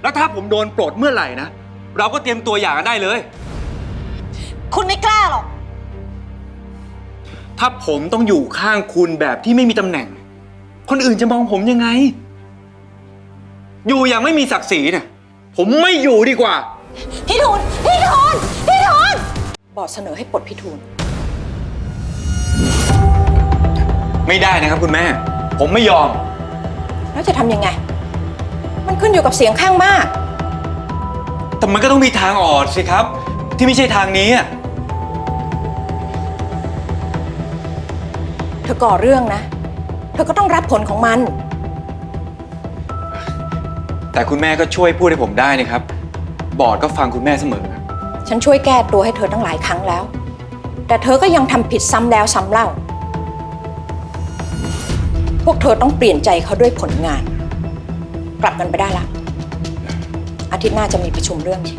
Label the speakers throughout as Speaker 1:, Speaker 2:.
Speaker 1: แล้วถ้าผมโดนปลดเมื่อไหร่นะเราก็เตรียมตัวหย่ากันได้เลย
Speaker 2: คุณไม่กล้าหรอก
Speaker 1: ถ้าผมต้องอยู่ข้างคุณแบบที่ไม่มีตำแหน่งคนอื่นจะมองผมยังไงอยู่อย่างไม่มีศักดิ์ศรีเนี่ยผมไม่อยู่ดีกว่า
Speaker 2: พี่ทูลบอร์ดเสนอให้ปลดพี่ทูล
Speaker 1: ไม่ได้นะครับคุณแม่ผมไม่ยอม
Speaker 2: แล้วจะทำยังไงมันขึ้นอยู่กับเสียงข้างมาก
Speaker 1: แต่มันก็ต้องมีทางออกสิครับที่ไม่ใช่ทางนี้
Speaker 2: เธอก่อเรื่องนะเธอก็ต้องรับผลของมัน
Speaker 1: แต่คุณแม่ก็ช่วยพูดให้ผมได้นะครับบอร์ดก็ฟังคุณแม่เสมอ
Speaker 2: ฉันช่วยแก้ตัวให้เธอตั้งหลายครั้งแล้วแต่เธอก็ยังทำผิดซ้ำแล้วซ้ำเล่าพวกเธอต้องเปลี่ยนใจเขาด้วยผลงานกลับกันไปได้ละอาทิตย์หน้าจะมีประชุมเรื่อง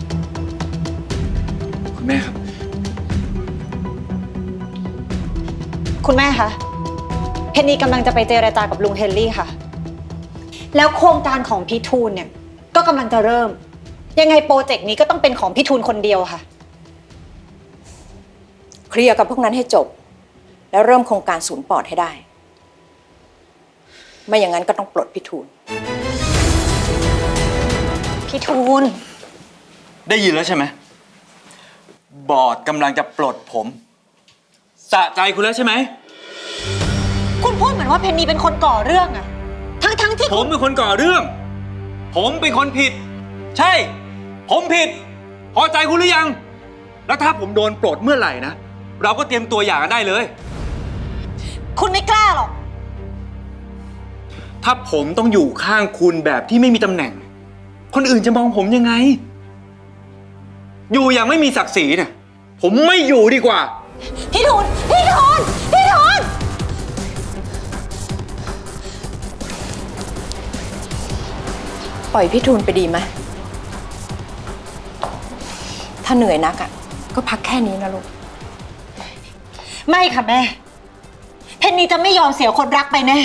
Speaker 1: คุณแม่ครับ
Speaker 3: คุณแม่คะเพนนีกำลังจะไปเจรจากับลุงเฮนรี่ค่ะแล้วโครงการของพี่ทูลเนี่ยก็กำลังจะเริ่มยังไงโปรเจกต์นี้ก็ต้องเป็นของพี่ทูลคนเดียวค่ะ
Speaker 2: เคลียร์กับพวกนั้นให้จบแล้วเริ่มโครงการศูนย์ปอดให้ได้ไม่อย่างนั้นก็ต้องปลดพี่ทูล
Speaker 1: ได้ยินแล้วใช่ไหมบอร์ดกำลังจะปลดผมสะใจคุณแล้วใช่ไหม
Speaker 3: คุณพูดเหมือนว่าเพนนีเป็นคนก่อเรื่องอะทั้งที่
Speaker 1: ผมเป็นคนก่อเรื่องผมเป็นคนผิดใช่ผมผิดพอใจคุณหรือยังแล้วถ้าผมโดนปลดเมื่อไหร่นะเราก็เตรียมตัวหย่ากันได้เลย
Speaker 3: คุณไม่กล้าหรอก
Speaker 1: ถ้าผมต้องอยู่ข้างคุณแบบที่ไม่มีตำแหน่งคนอื่นจะมองผมยังไงอยู่อย่างไม่มีศักดิ์ศรีเนี่ยผมไม่อยู่ดีกว่า
Speaker 2: พี่ทูลปล่อยพี่ทูลไปดีไหมถ้าเหนื่อยนักก็พักแค่นี้นะลูก
Speaker 3: ไม่ค่ะแม่เพนนีจะไม่ยอมเสียคนรักไปแน่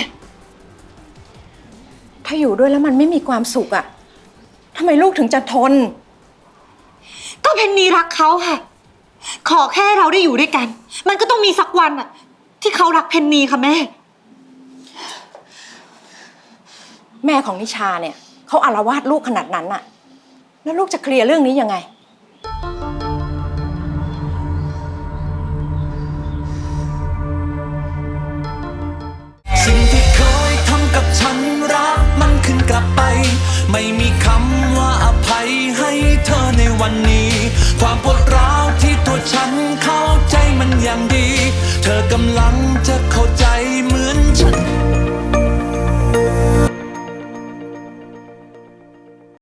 Speaker 2: ถ้าอยู่ด้วยแล้วมันไม่มีความสุขทำไมลูกถึงจะทน
Speaker 3: ก็เพนนีรักเขาค่ะขอแค่เราได้อยู่ด้วยกันมันก็ต้องมีสักวันที่เขารักเพนนีค่ะ
Speaker 2: แม่ของนิชาเนี่ยเขาอาละวาดลูกขนาดนั้นแล้วลูกจะเคลียร์เรื่องนี้ยังไง
Speaker 4: สิ่งที่เคยทำกับฉันรักมันขึ้นกลับไปไม่มีคำว่าอภัยให้เธอในวันนี้ความปวดร้าวที่ตัวฉันเข้าใจมันอย่างดีเธอกำลังจะเข้าใจเหมือนฉัน